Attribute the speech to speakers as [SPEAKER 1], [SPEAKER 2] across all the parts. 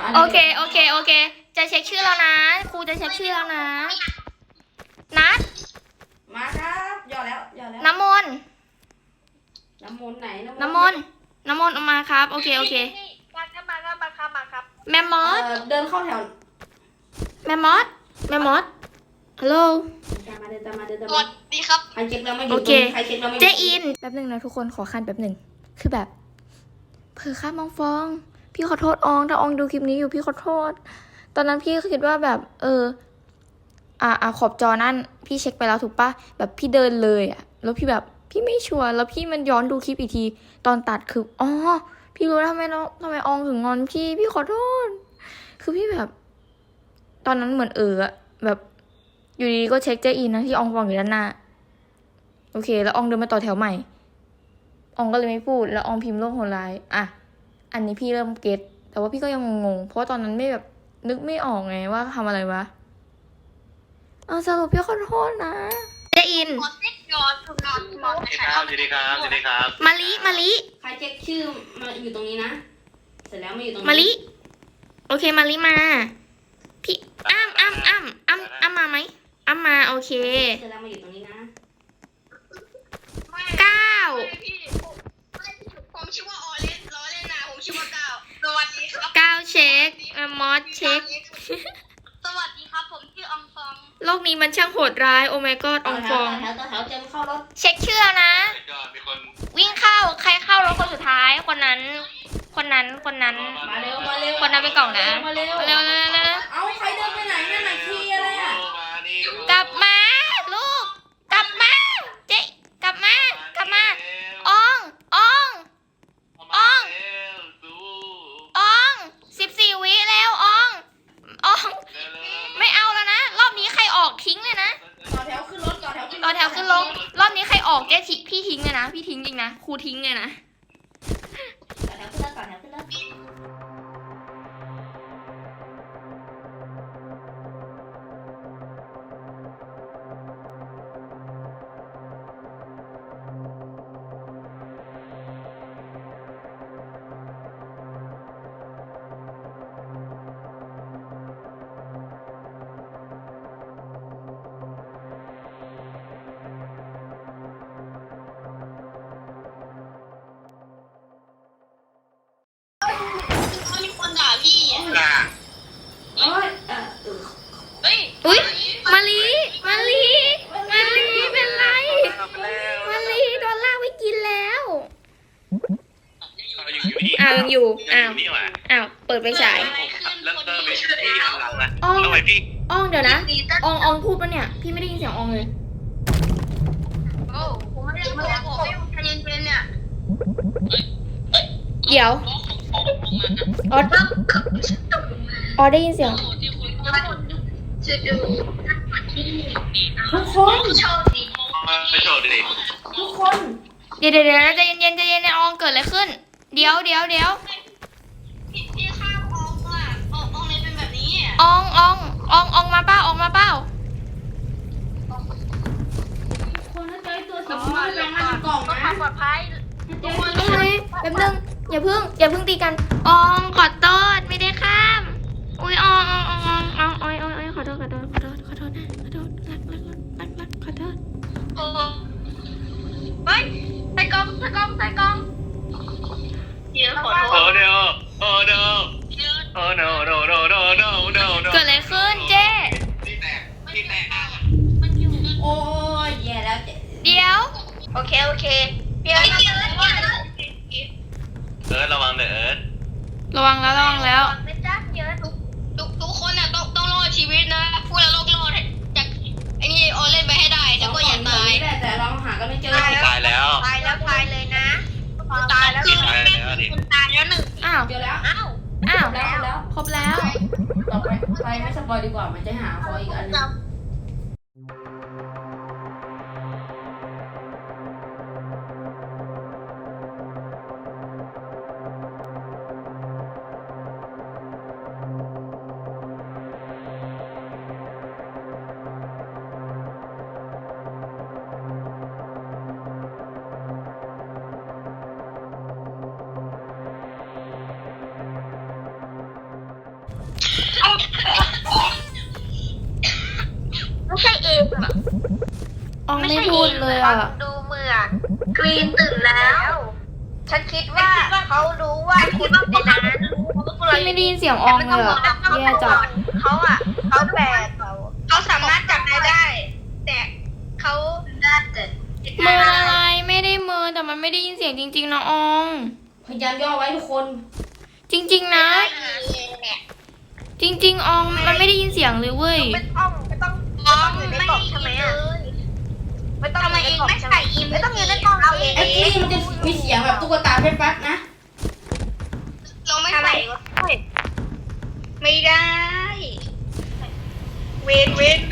[SPEAKER 1] โอเคโอเคโอเคจะเช็คชื่อแล้วนะครูจะเช็คชื่อแล้วนะนัด
[SPEAKER 2] มาครับย่อแล้ว
[SPEAKER 1] น้ำมนต์
[SPEAKER 2] น้ำมนต์ไหน
[SPEAKER 1] น้ำมนต์ออกมาครับโอเคโอเค
[SPEAKER 3] มาครับ
[SPEAKER 1] แมมมอส
[SPEAKER 2] เดินเข้าแถว
[SPEAKER 1] แมมมอสฮัลโหล
[SPEAKER 2] ตามมาเดิน
[SPEAKER 3] สวัสดีครับ
[SPEAKER 2] ใครเช็คแล้วไม่อยู่
[SPEAKER 1] โอเค
[SPEAKER 2] ใครเช็คแล้วไม่อยู่
[SPEAKER 1] เจอินแป๊บหนึ่งนะทุกคนขอคันแป๊บหนึ่งคือแบบเผลอข้ามองฟองพี่ขอโทษอองถ้าอองดูคลิปนี้อยู่พี่ขอโทษตอนนั้นพี่คิดว่าแบบขอบจอนั่นพี่เช็คไปแล้วถูกปะแบบพี่เดินเลยอะแล้วพี่แบบพี่ไม่ชัวร์แล้วพี่มันย้อนดูคลิปอีกทีตอนตัดคืออ๋อพี่รู้แล้วทำไมอองถึงงอนพี่ขอโทษคือพี่แบบ ตอนนั้นเหมือนอะแบบอยู่ดีๆก็เช็คเจอินนะที่อองฟองอยู่ด้านหน้าโอเคแล้วอองเดินมาต่อแถวใหม่อองก็เลยไม่พูดแล้วอองพิมพ์โลกโหดร้ายอ่ะอันนี้พี่เริ่มเก็ตแต่ว่าพี่ก็ยังงงๆเพราะว่าตอนนั้นไม่แบบนึกไม่ออกไงว่าทำอะไรวะสรุปพี่ขอโทษนะเจอิน
[SPEAKER 3] ขอเซ็กย้อนสวั
[SPEAKER 4] สวัสดีครับ
[SPEAKER 1] มาลิ
[SPEAKER 2] ใครเช็คชื่อมาอยู่ตรงนี้นะเสร็จแล้วมาอยู่ตรงนี้
[SPEAKER 1] มาลิโอเคมาลิมาพี่อ้ำมาไหมอ้ำมาโอเค
[SPEAKER 2] เสร็จแล้วมาอยู่ตรงนี้นะ
[SPEAKER 3] ผมชื่อว่าออเลนล้อเล่นนะผมชื่อว่าก้าวสวัสดีครับ
[SPEAKER 1] 9เช็คมอสเช็ค
[SPEAKER 3] สวัสดีครับผมชื่ออองฟอง
[SPEAKER 1] โลกนี้มันช่างโหดร้ายโอ้ my god อองฟอง
[SPEAKER 2] ต่อแถวเจมเข้ารถ
[SPEAKER 1] เช็คชื่อนะ วิ่งเข้าใครเข้ารถคนสุดท้ายคนนั้น
[SPEAKER 2] มาเร็ว
[SPEAKER 1] คนนั้นเป็นกล่องนะเร็ว
[SPEAKER 2] เอาใครเดินไปไหนนั่นไหนคีย์อะไรอ่ะ
[SPEAKER 1] กลับมาลูกกลับมาเจ๊กลับมาออง14 วิแล้วอองไม่เอาแล้วนะรอบนี้ใครออกทิ้งเลยนะ
[SPEAKER 2] ต่อแถวขึ้นรถ
[SPEAKER 1] รอบนี้ใครออกเจ๊พี่ทิ้งเลยนะพี่ทิ้งจริงนะครูทิ้งเลยนะ
[SPEAKER 2] ต่อแถวขึ้นรถ
[SPEAKER 3] มีคนด่าพี่อ่ะ
[SPEAKER 2] เฮ้ย
[SPEAKER 1] อุ้ยมาลีเป็นไรมาลีโดนลากไปกินแล้วยังอยู่เปิดไปฉาย
[SPEAKER 4] แล้วไม่ใช่พี่หันหลังนะ
[SPEAKER 1] อ้อง
[SPEAKER 4] ทำไมพี่
[SPEAKER 1] เดี๋ยวนะอองพูดปะเนี่ยพี่ไม่ได้ยินเสียงอองเลย
[SPEAKER 3] โอ้ผมไม่ได้บอกให้ใจเย็นๆเนี่ย
[SPEAKER 1] เดี๋ยวออได้ยินเสียง
[SPEAKER 2] ทุกคน
[SPEAKER 3] โชว์ดี
[SPEAKER 4] ไม่โชว์ดิ
[SPEAKER 2] ทุกคน
[SPEAKER 1] เดี๋ยวใจเย็นในอองเกิดอะไรขึ้นเดี๋ยว
[SPEAKER 3] พี่ข้ามอองอ่ะอองเลยเป็นแบบนี้
[SPEAKER 1] อองมาเป้า
[SPEAKER 2] คนถ้าเจอตัวสีม่วงแปลงร่างเป็นกล่อง
[SPEAKER 3] ก็
[SPEAKER 2] นะ
[SPEAKER 3] ความปลอดภัย
[SPEAKER 2] ทุกคน
[SPEAKER 1] แป๊บนึงอย่าเพิ่งตีกันอองขอโทษไม่ได้ข้ามอุ้ยอองขอโทษนะขอโทษรักขอโทษ
[SPEAKER 3] โอ้เฮ้ยใส่กล้องเดี๋ยวขอโทษ
[SPEAKER 4] โอ้เดี๋ยวโอ้เดี๋ยวโอ้ no
[SPEAKER 1] เกิดอะไรขึ้นเจ๊
[SPEAKER 4] ที่แตก
[SPEAKER 3] มันอยู่
[SPEAKER 2] โอ้ยแย่แล้ว
[SPEAKER 1] เดี๋ยว
[SPEAKER 3] โอเคพี่เอิร์ธ
[SPEAKER 4] ระวังเด้อ
[SPEAKER 1] ระวังแล้ว
[SPEAKER 3] ไม่จ้าพี่เอิร์ธทุกคนอ่ะต้องรอดชีวิตนะพูดแล้วรอดจากไอ้นี่ออเล่นไปให้ได้แต่ก็อย่าตาย
[SPEAKER 2] แต่เราหากันไม่เจอ
[SPEAKER 4] ตายแล้ว
[SPEAKER 3] ตายเลยนะตายแล้วคุณตายแล้วหนึ่ง
[SPEAKER 1] อ้าว
[SPEAKER 2] เจอแล้ว
[SPEAKER 3] อ้าว
[SPEAKER 1] ครบแล้ว
[SPEAKER 2] ต่อไปไม่สปอยดีกว่ามันจะหาคออีกอันนึง
[SPEAKER 3] ไม่ใช่เองอะ
[SPEAKER 1] อองไม่พูดเลยอ่ะ
[SPEAKER 3] ดูเหมือนกรีนตื่นแล้ว ฉันคิดว่าเขารู้ว่าคุณในนั้น
[SPEAKER 1] พี่ไม่ได้ยินเสียงอองเลยอ่ะแย่จัด
[SPEAKER 3] เขาแต่เขาสามารถจับนายได้ แต่เขาน่าจะ
[SPEAKER 1] เมินอะไรไม่ได้เมินแต่มันไม่ได้ยินเสียงจริงๆนะออง
[SPEAKER 2] พยายามย่อไว้ทุกคน
[SPEAKER 1] จริงๆนะ จริงๆอองมันไม่ได้ยินเสียงเลยเว้ย
[SPEAKER 3] ไม่ต้องอยู่ในกล่องใช่ไหมอ่ะไม่ต้องทำไมเองไม่ใส่อิมไม่ต้องอยู่ในกล่องเอาเอง
[SPEAKER 2] ไอ้กรีนมันจะมีเสียงแบบตุ๊กตาแป๊บๆนะ
[SPEAKER 3] เราไม่ใส่ไม่ได้เวน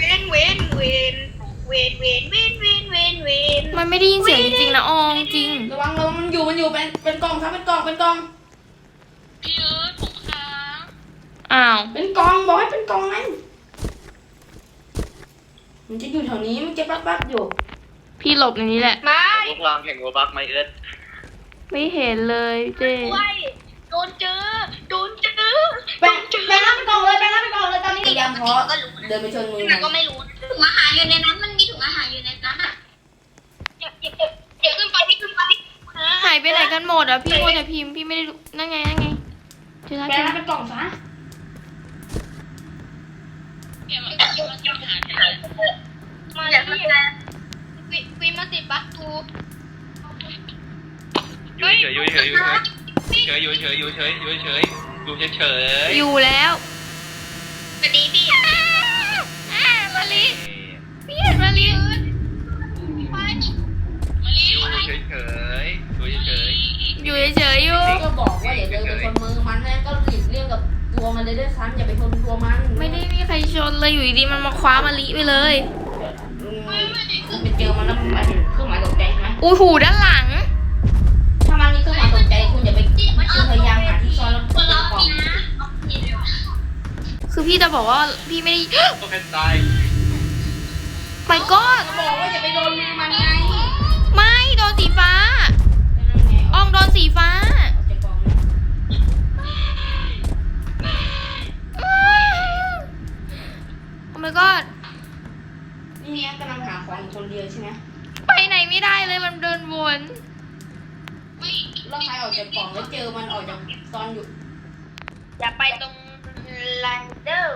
[SPEAKER 1] มันไม่ได้ยินเสียงจริงๆนะอองจริง
[SPEAKER 2] ระวังมันอยู่เป็นกล่องครับเป็นกล่อง
[SPEAKER 3] พี่ผมค้าง
[SPEAKER 1] อ้าว
[SPEAKER 2] เป็นกล่องบอกให้เป็นกล่องนั่นมันจะอยู่แถวนี้มันจะปั๊บอยู่
[SPEAKER 1] พี่หลบในนี้แหละ
[SPEAKER 3] ไม่
[SPEAKER 4] พวกเราแข่งโรบักไหมเอิร์ธ
[SPEAKER 1] ไม่เห็นเลยเจ้
[SPEAKER 3] โดนเจอ
[SPEAKER 2] ไปรับเป็นกล่องเลยตอนนี้พยายามเพาะเดินไปชนมือมัน
[SPEAKER 3] ก็ไม่รู้ถุงอาหารอยู่ในนั้นมันมีถุงอาหารอยู่ในนั้นอ่ะเดี๋ยวขึ้นไป
[SPEAKER 1] หายไปไหนกันหมดอ่ะพี่โมวแต่พิมพ์พี่ไม่ได้รู้นั่นไงเจอแล้ว
[SPEAKER 2] ไป
[SPEAKER 1] เจอ
[SPEAKER 2] รับ
[SPEAKER 1] แล้ว
[SPEAKER 2] เป็นกล่องซะ
[SPEAKER 3] มาแล้ววีมาติดบัคทู
[SPEAKER 4] อยู่เฉยอยู่เฉยอยู่เฉยอยู่เฉยอยู่เฉยอยู่เฉยอยู่เฉย
[SPEAKER 1] อยู่แล้ว
[SPEAKER 3] สวัสดีพี่
[SPEAKER 1] มาลิพี่เห็นมาลิ
[SPEAKER 4] อยู่เฉยเฉยอยู่เฉย
[SPEAKER 1] อยู่เฉยๆอยู่
[SPEAKER 2] ก็บอกว่าอย่าเดินไปชนมือมันนะก็หลีกเลี่ยงกับตัวมันเลยด้วยซ้ำอย่าไปชนตัวมัน
[SPEAKER 1] ไม่ได้มีใครชนเลยอยู่ดีๆมันมาคว้ามาลิไปเลย
[SPEAKER 2] คุณไปเจอมันแล้วมันเห็นเครื่องหมายตกใจใช่ไหม
[SPEAKER 1] อู้หูด้านหลัง
[SPEAKER 2] ถ้ามันมีเครื่องหมายตกใจคุณอย่าไปคุณพยายามหาที่ซ่อนแล้วเปิดกล่อง
[SPEAKER 1] คือพี่จะบอกว่าพี่ไม่ได้
[SPEAKER 4] ๆก็แค่ตาย
[SPEAKER 1] ไปก็
[SPEAKER 2] ก็บอกว่าอย่าไปโดนมือมันไง
[SPEAKER 1] ไม่โดนสีฟ้า
[SPEAKER 2] นั่นไง
[SPEAKER 1] อองโดนสีฟ้า
[SPEAKER 2] ออกจากกล่องนะ
[SPEAKER 1] โอ้ my god
[SPEAKER 2] นี่เนี้ยกำลังหาของอยู่คนเดียวใช่ไหม
[SPEAKER 1] ไปไหนไม่ได้เลยมันเดินวน
[SPEAKER 2] แล้วใครออกจากกล่องแล้วเจอมันออกจากตอนอยู่
[SPEAKER 3] อย่าไปตรงไลเดอร์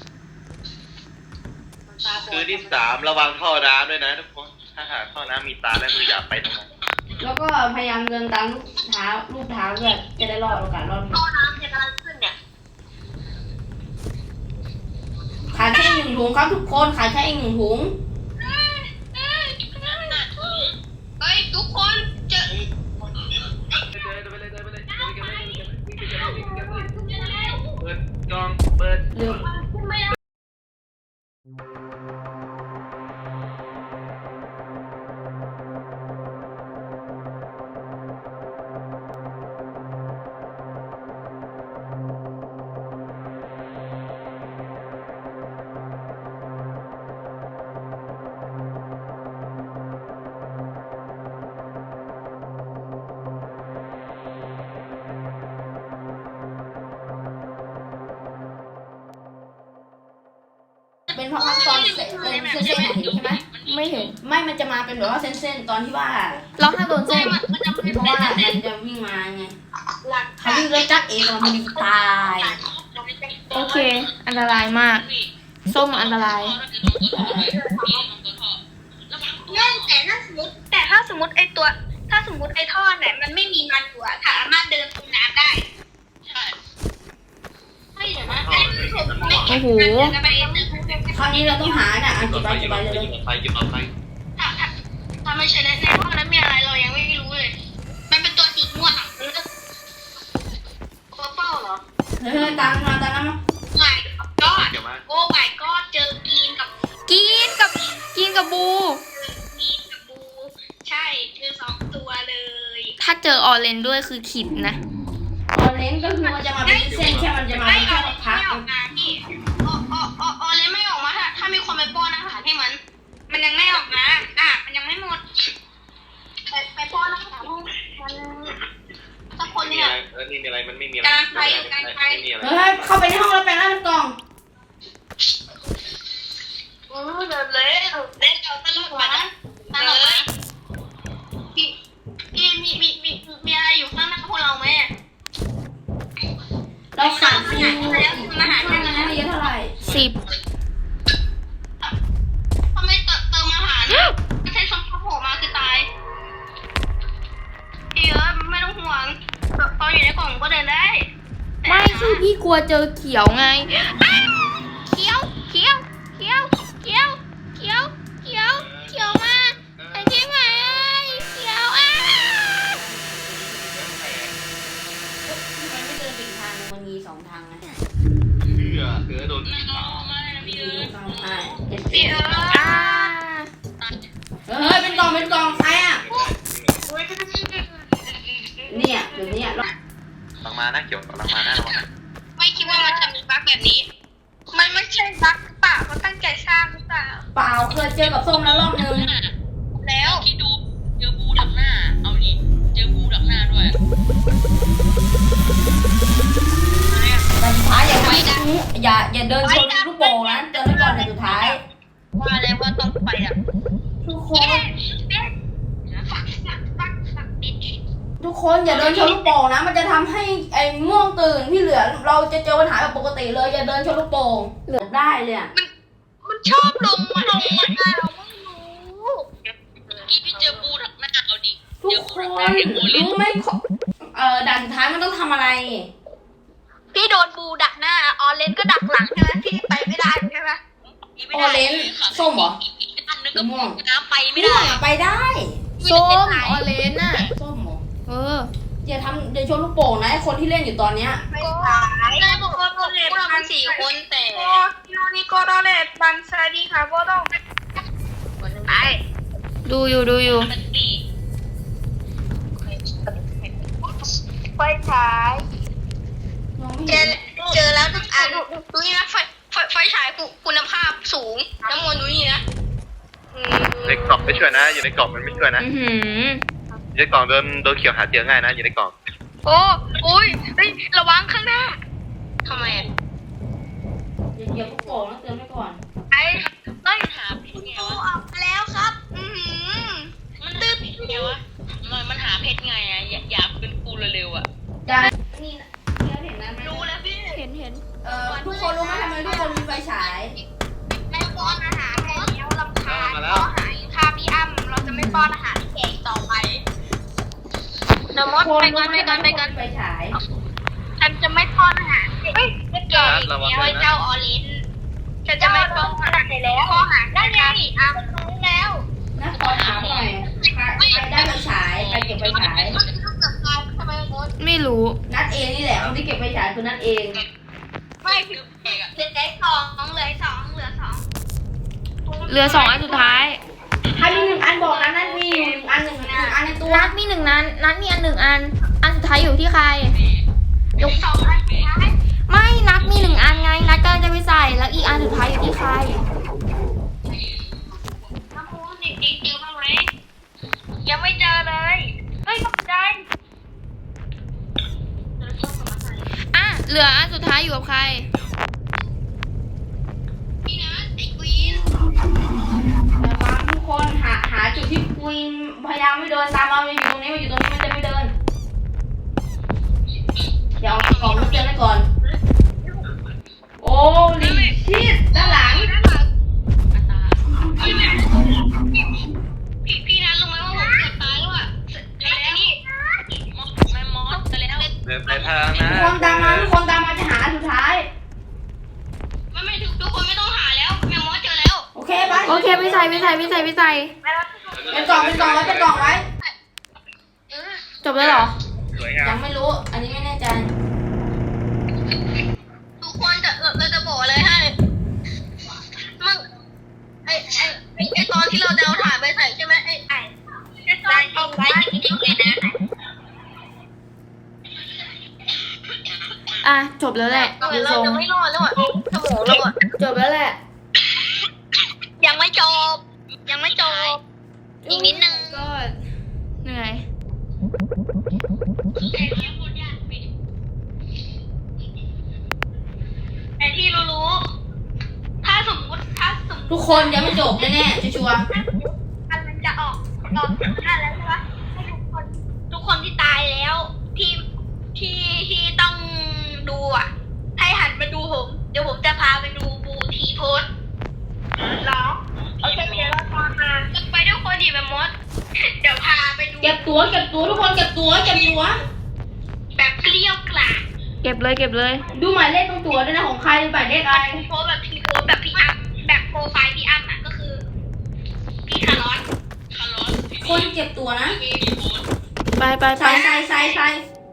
[SPEAKER 4] คือที่3ระวังท่อน้ำด้วยนะทุกคนถ้าหากท่อน้ำมีตาแล้วคืออย่าไปตรงนั้น
[SPEAKER 2] แล้วก็พยายามเดินตามรูปเท้าด้วยจะได้รอดโอกาสรอด
[SPEAKER 3] ท่อน้ำจะกำลังขึ้นเนี่ย
[SPEAKER 2] ขายแค่1 ถุงครับทุกคนขายแค่1 ถุง
[SPEAKER 3] เฮ้ยทุกคนเจอ
[SPEAKER 4] เปิดกล้องเปิด
[SPEAKER 2] เร็ว เป็นเพราะขั้นตอนเป็นเส้นๆเห็นใช่ไหม
[SPEAKER 1] ไม่เห็น
[SPEAKER 2] ไม่มันจะมาเป็นแบบว่าเส้นๆตอนที่ว่า
[SPEAKER 1] เราห้ามโดนเส้น
[SPEAKER 2] เพราะว่ามันจะวิ่งมาไงเขาวิ่งแล้วจักเองมันมีตาย
[SPEAKER 1] โอเค อันตรายมาก ส้มอันตราย
[SPEAKER 3] แต่ถ้าสมมติไอตัว ถ้าสมมติไอท่อเนี่ยมันไม่มีมันอยู่อะสามารถเดินตรงน้ำได้ใช่ไม่เดี๋ยวนะ
[SPEAKER 1] โอ้โห
[SPEAKER 2] คราวนี้เราต้องหาน่ะเก็บไปเลย
[SPEAKER 4] หยิบไปหยิบเอาไป
[SPEAKER 3] ถ้าไม่ใช่ในท่อนั้นมีอะไรเรายังไม่รู้เลย มันเป็นตัวสีม่วงอะเป้าเหรอ
[SPEAKER 2] เฮ้ยตามมา
[SPEAKER 3] ไม่ก็
[SPEAKER 4] เดี๋ยวมา
[SPEAKER 3] โอ้ my god เจอกีนกับ
[SPEAKER 1] กินกับบู
[SPEAKER 3] กีนกับบู ใช่เจอ2 ตัวเลย
[SPEAKER 1] ถ้าเจอออเรนด้วยคือขิดนะ
[SPEAKER 2] ตอนเล่นก็คือมันจะมาเป็นเส้นแค่มันจะมา
[SPEAKER 3] ไม่
[SPEAKER 2] เป็น
[SPEAKER 3] อ
[SPEAKER 2] แค่
[SPEAKER 3] อก
[SPEAKER 2] พัก
[SPEAKER 3] ไม่ออกมาพี่ออเลยไม่ออกมาถ้ามีคนไปป้อนอาหารให้มัน มันยังไม่ออกมามันยังไม่หมด ไปป้อนอาหารให้มันสักคน
[SPEAKER 4] มี
[SPEAKER 3] เนี่ย
[SPEAKER 4] อะไรนี่มีอะไรมันไม่มีอะไร
[SPEAKER 3] กำลังไปอยู่กำลังไป
[SPEAKER 4] ไม่มีอะไร
[SPEAKER 2] เฮ้ยเข้าไปในห้องแล้วแปลงร่างเป็นกล่อง
[SPEAKER 3] เดินเลยเล่นเอาตลกมาตลกไหมพี่มีอะไรอยู่ข้างหน้าพวกเราไหม
[SPEAKER 2] เราขาด
[SPEAKER 3] มาหา
[SPEAKER 2] เท่านั้นเยอะเท่าไหร่
[SPEAKER 3] ทำไมเติมอาหารไม่ใช่ชมพู่โผล่มาคือตายพี่ไม่ต้องห่วงตอนอยู่ในกล่องก็เดินได้
[SPEAKER 1] ไม่คือพี่กลัวเจอเขียวไงอ้าวเขียวมาไอ้ที่ไหนเขียวอ้า
[SPEAKER 2] ทำไมไม่เดินไปอีกทางนึงมันมี2 ทางนะ
[SPEAKER 4] เกือโดน
[SPEAKER 2] พี่
[SPEAKER 3] พี่
[SPEAKER 1] อ่า
[SPEAKER 2] เฮ้ยเป็นกล่องใครอ่ะเนี่ยเดี๋ยวนี้
[SPEAKER 4] หลังมานะเกี่ยวหลังมานะระวังนะ
[SPEAKER 3] ไม่คิดว่ามันจะมีบั๊กแบบนี้มันไม่ใช่บั๊กเปล่าเขาตั้งใจสร้างหรือเปล่า
[SPEAKER 2] เปล่าเคยเจอกับส้มแล้วรอบนึง
[SPEAKER 3] แล้ว
[SPEAKER 5] ที่ดูเจอบูดักหน้า เอาดิเจอบูดักหน้าด้วย
[SPEAKER 2] แต่สุดท้ายอย่าเดินชนลูกโป่งนะเดินไปก่อนในสุดท้าย
[SPEAKER 3] ว่าแล้วว่าต้องไปอ่ะ
[SPEAKER 2] ทุกค
[SPEAKER 3] เย้
[SPEAKER 2] น
[SPEAKER 3] ฝักดิน
[SPEAKER 2] ทุกคนอย่าเดินชนลูกโป่งนะมันจะทำให้ไอ้ม่วงตื่นที่เหลือเราจะเจอปัญหาแบบปกติเลยอย่าเดินชนลูกโป่งเหลือได้เลยอะ
[SPEAKER 3] มันชอบลงมาเราไม่รู้
[SPEAKER 5] กี้พี่เจอบูดักหน้า เอาดิ
[SPEAKER 2] ทุ
[SPEAKER 5] เจ
[SPEAKER 2] ก
[SPEAKER 5] อ
[SPEAKER 2] ค
[SPEAKER 5] บู
[SPEAKER 2] น
[SPEAKER 5] ดักหน้าเห็นโมลิ
[SPEAKER 2] รู้ไหมด่านสุดท้ายมันต้องทำอะไร
[SPEAKER 3] พี่โดนบูดักหน้าออเลนก็ดักหลังใช่ไหมพี่ไปไม่ได้ใช่ไหม
[SPEAKER 2] ออเรนจ์ส้มเหรอ
[SPEAKER 5] อันนึงก็
[SPEAKER 2] ม่วง
[SPEAKER 5] น้ำไปไม่
[SPEAKER 2] ม่ว
[SPEAKER 5] ได้
[SPEAKER 2] งอะไปได้
[SPEAKER 1] ส้มออเรนจ์น่ะ
[SPEAKER 2] ส้มเหรอ
[SPEAKER 1] เออ
[SPEAKER 2] อย่าชนลูกโป่งนะไอ้คนที่เล่นอยู่ตอนเนี้ย
[SPEAKER 3] ไม่ขายได้บอกว่าพวกเราเป็น4 คนแต่นี่ก็รอเลตบันซาดีค่ะพวกต้องไป
[SPEAKER 1] ดูอยู่
[SPEAKER 5] มันดี
[SPEAKER 3] ไฟฉาย
[SPEAKER 2] มองไม่
[SPEAKER 3] เจ
[SPEAKER 2] เห็
[SPEAKER 3] อน เจอแล้วทุกอันดูนี่นะไฟฉายคุณภาพสูงน้ำมนต์ดูนี่นะ
[SPEAKER 4] ในกล่องไม่ช่วยนะ อยู่ในกล่องมันไม่ช่วยนะ
[SPEAKER 1] อือหือ
[SPEAKER 4] อยู่ในกล่องโดนเขียวหาเจอง่ายนะอยู่ในกล่อง
[SPEAKER 3] โอ้ยระวังข้างหน้าทำไมอ่ะ
[SPEAKER 2] อย่าลูกโป่งนะเตือนไว้ก่อน
[SPEAKER 3] ไอ้ต้น
[SPEAKER 5] หาเพชรไง
[SPEAKER 3] ดู
[SPEAKER 5] วะ
[SPEAKER 3] ออกมาแล้วครับ
[SPEAKER 5] มันหาเพชรไงวะมันหาเพชรไงอะอยากเป็นกูเร็วๆอะ
[SPEAKER 2] ได้นี่นะเห็นนะ
[SPEAKER 3] รู้แล้วพี่
[SPEAKER 1] เห็น
[SPEAKER 2] ทุกคนรู้ไหมทำไมทุกคนมีไฟฉาย
[SPEAKER 3] ไม่ป้อนอาหารแล้วลำคาญเพราะหายค่าพี่อ้ำเราจะไม่ป้อนอาหารให้แกอีกต่อไปนมดไปกัน
[SPEAKER 2] ไฟฉาย
[SPEAKER 3] ฉันจะไม่ป้อนอาหารให้แกอีกแล้วเจ้าออลินฉันจะไม่ป้อนอาหารแล้วป้อนอาหารได้ไงอ้ำรู้แล้ว
[SPEAKER 2] นะขอถามหน่อยใครได้ไฟฉายใครเก็บไฟฉาย
[SPEAKER 3] ทำไมมด
[SPEAKER 1] ไม่รู้
[SPEAKER 2] นัดเองนี่แหละคนที่เก็บไฟฉายคือนัดเอง
[SPEAKER 3] ไม่เหลือ2เหลือ2
[SPEAKER 1] เหลือ2 อันสุดท้าย
[SPEAKER 2] ถ้ามี1 อันบอกนะนัดมีอยู่1 อัน1 อันในตัว
[SPEAKER 1] นัดมี1 นัดนัดมีอัน 1 อัน อันสุดท้ายอยู่ที่ใคร
[SPEAKER 3] 2อันสุดท้าย
[SPEAKER 1] ไม่นัดมี 1 อันไง นัดกำลังจะไปใส่ แล้วอีกอันสุดท้ายอยู่ที่ใคร
[SPEAKER 3] น้ำมูนจริงๆเจอบ้างไหมยังไม่เจอเลยเฮ้ยตกใจ
[SPEAKER 1] อ่ะ เหลืออันสุดท้ายอยู่กับใคร
[SPEAKER 3] พี่นะไอ้ควีน
[SPEAKER 2] นะครับทุกคนหาจุดที่คุยพยายามไม่เดินตามเราอยู่ตรงนี้มันจะไม่เดินเดี๋ยวเอากล่องมาเตือนไว้ก่อน โอ้ลิชิตด้านหลัง
[SPEAKER 3] พี่นะรู้ไหมว่าผมเกือบตายแล้วอ่ะแล้วนี่
[SPEAKER 5] ไม่มอสไปแล้ว
[SPEAKER 4] เดินไปทางนะ
[SPEAKER 2] ทุกคนตามมาจะหาอันสุดท้าย
[SPEAKER 3] ไม่ทุกคนไม่ต้องหาแล้วแมวมอสเจอแล้ว
[SPEAKER 2] โอเคไป
[SPEAKER 1] โอเคไม่ใส่
[SPEAKER 2] เป็นกล่องไว้
[SPEAKER 1] จบแล้วเหรอ
[SPEAKER 4] สวยงา
[SPEAKER 2] ยั
[SPEAKER 4] ม
[SPEAKER 2] งไม่รู้ อันนี้ไม่แน่ใจ
[SPEAKER 3] ทุกคนเราจะบอกเลยให้มึงไอตอนที่เราเดาถ่ายไปใส่ใช่ไหมไอ้ตอนเข้าไว้จริงๆเลยนะ
[SPEAKER 1] อ่ะ จบแล้วแหละ
[SPEAKER 3] เรา
[SPEAKER 1] ดูทรง
[SPEAKER 3] จะไม่รอดแล้วอ่ะสมองเราอ่ะ
[SPEAKER 1] จบแล้วแหละ
[SPEAKER 3] ยังไม่จบอีกนิดนึง
[SPEAKER 1] ก็เหนื่อย
[SPEAKER 3] แต่ที่รู้ๆถ้าสมมติ
[SPEAKER 2] ทุกคนยังไม่จบแน่ๆชัวร์
[SPEAKER 3] อันมันจะออกนั่นแล้วใช่ปะให้ทุกคนที่ตายแล้วที่ต้องดูอ่ะ ให้หันมาดูผม เดี๋ยวผมจะพาไปดูบูทีโพสหรอโอเคเดี๋ยวเราตามมาไปด้วยคนดีแบบมด เดี๋ยวพาไปดู
[SPEAKER 2] ๆเก็บตัวทุกคนเก็บตัว
[SPEAKER 3] แบบเกลี้ยวกล่อม
[SPEAKER 1] เก็บเลย
[SPEAKER 2] ดูหมายเลขตรงตัวด้วยนะของใครหมายเลขอะไร
[SPEAKER 3] โพสแบบทีโพสแบบพี่อ้ำแบบโปรไฟล์พี่อ้ำอ่ะก็คือพี่คาร์ลอส
[SPEAKER 2] คนเก็บตัวนะ
[SPEAKER 1] ไป
[SPEAKER 2] ใส่
[SPEAKER 1] ไป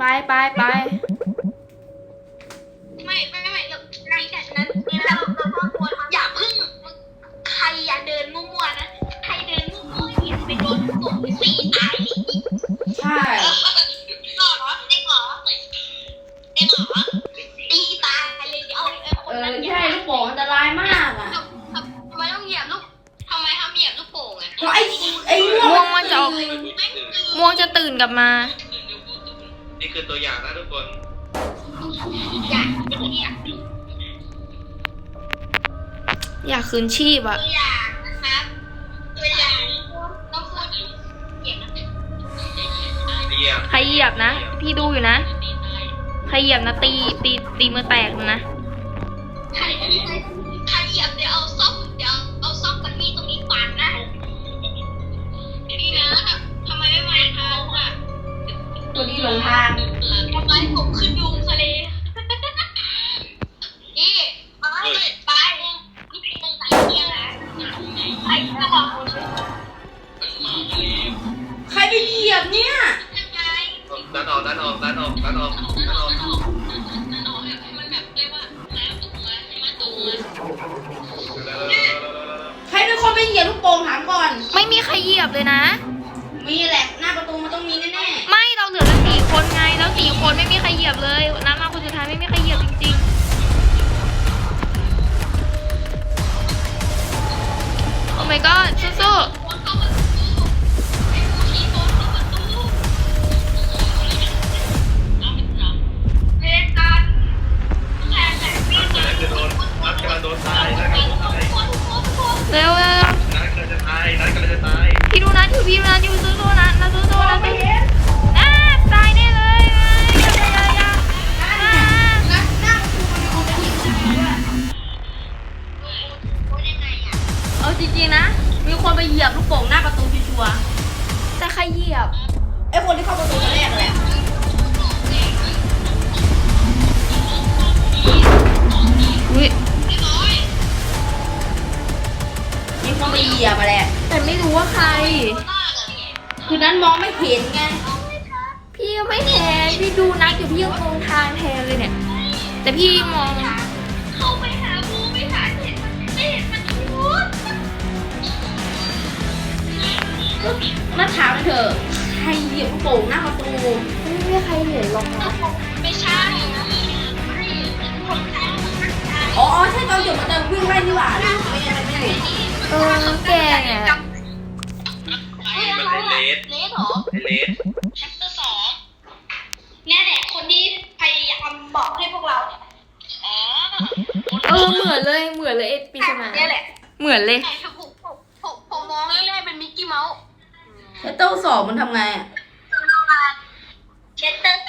[SPEAKER 3] ไม่เดี๋ยวในจากนั้นนี่นะเราต้องควรอย่าพึ่งใครอย่าเดินมั่วๆนะใครเดินมั่วๆเนี่ยไปโดนกดตีตาย
[SPEAKER 2] ใช่
[SPEAKER 3] หรอเด็กหรอตีตายเลยเดี๋ยวเอาคนนั้น
[SPEAKER 2] ใช่ลูกโป่งอันตรายมากอ่ะ
[SPEAKER 3] ทำไมต้องเหยียบลูกทำไมทำเหยียบลูกโป่งอ่ะ
[SPEAKER 2] เพราะไอ้ม่
[SPEAKER 1] ม่ว
[SPEAKER 2] ว
[SPEAKER 1] ง
[SPEAKER 2] ง
[SPEAKER 1] มันจะออก
[SPEAKER 3] ไม่ตื่น
[SPEAKER 1] ม่วงจะตื่นกลับมา
[SPEAKER 4] นี่คือตัวอย่างนะทุกคน
[SPEAKER 3] อยากเป็นอยาก
[SPEAKER 1] อยากคืนชีพอะ
[SPEAKER 3] ตัวอย่างนะครับตัวอย่างต้องพูดเหยียบนะ
[SPEAKER 4] เรียก
[SPEAKER 1] ใครเหยียบนะ พี่ดูอยู่นะ ใครเหยียบนะตีมือแตกนะ
[SPEAKER 3] ใครเหยียบเดี๋ยวเอาซ่อมกับมีดตรงนี้ฟันนะนี่นะทำไมไม่มาทางอ่ะ
[SPEAKER 2] ตัวนี้หลงทาง
[SPEAKER 3] ทำไมผมขึ้นยุงทะเลนี่ไปนี่เป็นไงเนี่ยนะไปตลอด
[SPEAKER 2] ใครไปเหยียบเนี่ย
[SPEAKER 3] ยังไง
[SPEAKER 4] ดันออก
[SPEAKER 3] มันแบบเรียกว่าแล้วตกมาใช่ไหมตกมา
[SPEAKER 2] ใครเป็นคนไปเหยียบลูกโป่งถามก่อน
[SPEAKER 1] ไม่มีใครเหยียบเลยนะ
[SPEAKER 2] มีแหละหน้าประตูมันต้องมีแน่
[SPEAKER 1] ไม่เราเหลือกัน4 คนไง แล้ว4 คนไม่มีใครเหยียบเลยน้ำมาคนสุดท้ายไม่มีใครเหยียบจริงๆ โอ้ my god สู้
[SPEAKER 3] เล่นกันแต่พี่
[SPEAKER 4] นัดจะโดนนัดกำลังโดนตายนัดกำลังจะตาย
[SPEAKER 1] ๆเร็ว
[SPEAKER 4] นัดกำลังจะตายนัดกำลังจะตาย
[SPEAKER 1] พี่ดูนะพี่ดูนะอยู่สู้ๆนะสู้ๆนะตายแน่เลยอย่า
[SPEAKER 2] ๆนัดหน้าประตูมันมีคนไปเหยียบด้วย
[SPEAKER 1] เอาจริงๆนะ
[SPEAKER 2] มีคนไปเหยียบลูกโป่งหน้าประตูชัวร์
[SPEAKER 1] แต่ใครเหยียบ
[SPEAKER 2] ๆไอ้คนที่เข้าประตูคนแรกแหละ
[SPEAKER 1] อุ้ย
[SPEAKER 2] มีคนไปเหยียบมาแหละ
[SPEAKER 1] แต่ไม่รู้ว่าใคร
[SPEAKER 2] คือนั้นมองไม่เห็นไง
[SPEAKER 1] พี่ก็ไม่แทนพี่ดูนัดอยู่พี่ยังมองทางแทนเลยเนี่ย แต่พี่มอง
[SPEAKER 3] เข้าไปหาบูไม่หาเห็นไม่เห็นมันพูด
[SPEAKER 2] มาถามเถอะใครเหยียบลูกโป่งหน้าประตู
[SPEAKER 1] ไม่มีใครเห็นหรอกนะ
[SPEAKER 3] ไม่ใช่คนไทย
[SPEAKER 2] อ๋อใช่ตอนเหยียบมันจะวิ่งไล่นี่หว่าไม่เห็น
[SPEAKER 1] แกเนี่ย
[SPEAKER 4] มันไอเลส
[SPEAKER 3] เลสเหรอ
[SPEAKER 4] ไอเลส
[SPEAKER 3] แชปเตอร์2เนี่ยแหละคนที่พยายามบอกให้พวกเราอ๋อ
[SPEAKER 1] เหมือนเลยไอ้ปริศนา
[SPEAKER 3] เนี่ยแหละ
[SPEAKER 1] เหมือนเลย
[SPEAKER 3] แต่ผมมองแรกๆเป็นมิกกี้เมาส์
[SPEAKER 2] ไอ้เต้าสอบมันทำไงอ่ะ
[SPEAKER 3] เชสเตอร์